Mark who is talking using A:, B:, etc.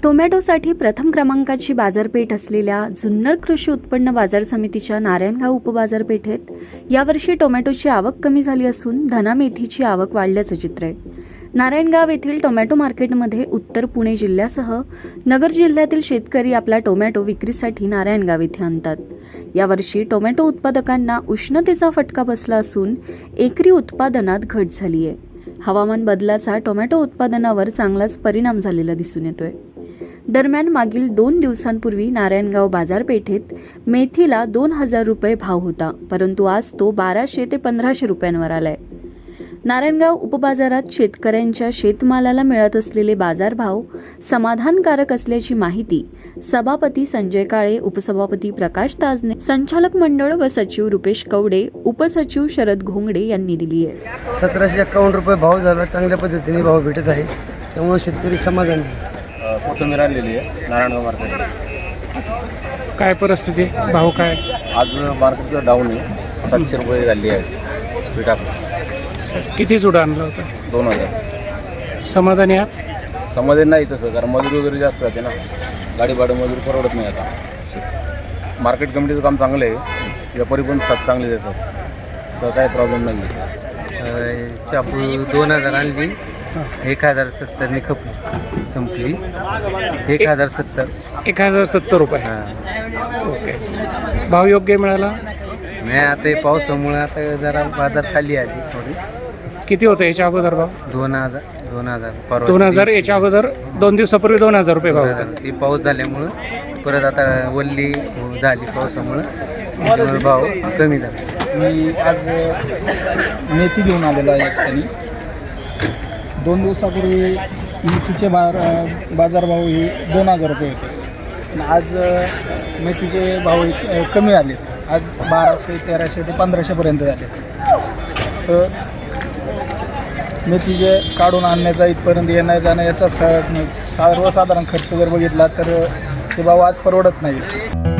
A: टोमॅटोसाठी प्रथम क्रमांकाची बाजारपेठ असलेल्या जुन्नर कृषी उत्पन्न बाजार समितीच्या नारायणगाव उपबाजारपेठेत यावर्षी टोमॅटोची आवक कमी झाली असून धना मेथीची आवक वाढल्याचं चित्र आहे। नारायणगाव येथील टोमॅटो मार्केटमध्ये उत्तर पुणे जिल्ह्यासह नगर जिल्ह्यातील शेतकरी आपला टोमॅटो विक्रीसाठी नारायणगाव येथे आणतात। यावर्षी टोमॅटो उत्पादकांना उष्णतेचा फटका बसला असून एकरी उत्पादनात घट झाली आहे। हवामान बदलाचा टोमॅटो उत्पादनावर चांगलाच परिणाम झालेला दिसून येतोय। दरम्यान मागील 2 दिवसांपूर्वी नारायणगाव बाजारपेठेत मेथीला 2000 रुपये भाव होता, परंतु आज तो 1200 ते 1500 रुपयांवर आलाय। नारायणगाव उपबाजारात शेतकऱ्यांच्या शेतमालाला मिळत असलेले बाजारभाव समाधानकारक असल्याची माहिती सभापती संजय काळे, उपसभापती प्रकाश ताजने, संचालक मंडळ व सचिव रुपेश कवडे, उपसचिव शरद घोंगडे यांनी दिली आहे।
B: 1751 रुपये भाव झाला, चांगल्या पद्धतीने भाव भेटत आहे, त्यामुळे शेतकरी समाधानी आहे।
C: कोथिंबीर आणलेली आहे नारायणगाव मार्केटला।
D: काय परिस्थिती, भाव काय?
C: आज मार्केटचं डाऊन आहे, 700 रुपये झाली आहे पीठ आपलं।
D: किती जुडा आणला होता?
C: 2000।
D: समाधानी आहात?
C: समाधान नाही तसं, कारण मजुरी वगैरे जास्त जाते ना, गाडी भाडं मजुरी परवडत नाही आता। मार्केट कमिटीचं काम चांगलं आहे, व्यापारी पण साथ चांगले देतात, तर काय प्रॉब्लेम नाही आहे।
B: शापू 2000 आणली, 1070 ने संपली, 1070।
D: 1070 रुपये। ओके, भाव योग्य मिळाला?
B: नाही, आता पावसामुळे आता जरा बाजार खाली आली थोडी।
D: किती होतं याच्या अगोदर भाव?
B: 2000
D: 2000 याच्या अगोदर 2 दिवसापूर्वी 2000 रुपये भाव होता।
B: ही पाऊस झाल्यामुळं परत आता वल्ली झाली पावसामुळं भाव कमी झाला।
E: मी आज मेथी घेऊन आलेलो आहे त्यांनी। 2 दिवसापूर्वी मेथीचे बाजारभाव हे 2000 रुपये होते, आज मेथीचे भाव कमी आले, आज 1200, 1300 ते 1500 झाले। तर मेथीचे काढून आणण्याचा इथपर्यंत येण्या जाणं याचा सर्वसाधारण खर्च जर बघितला तर ते भाव आज परवडत नाही।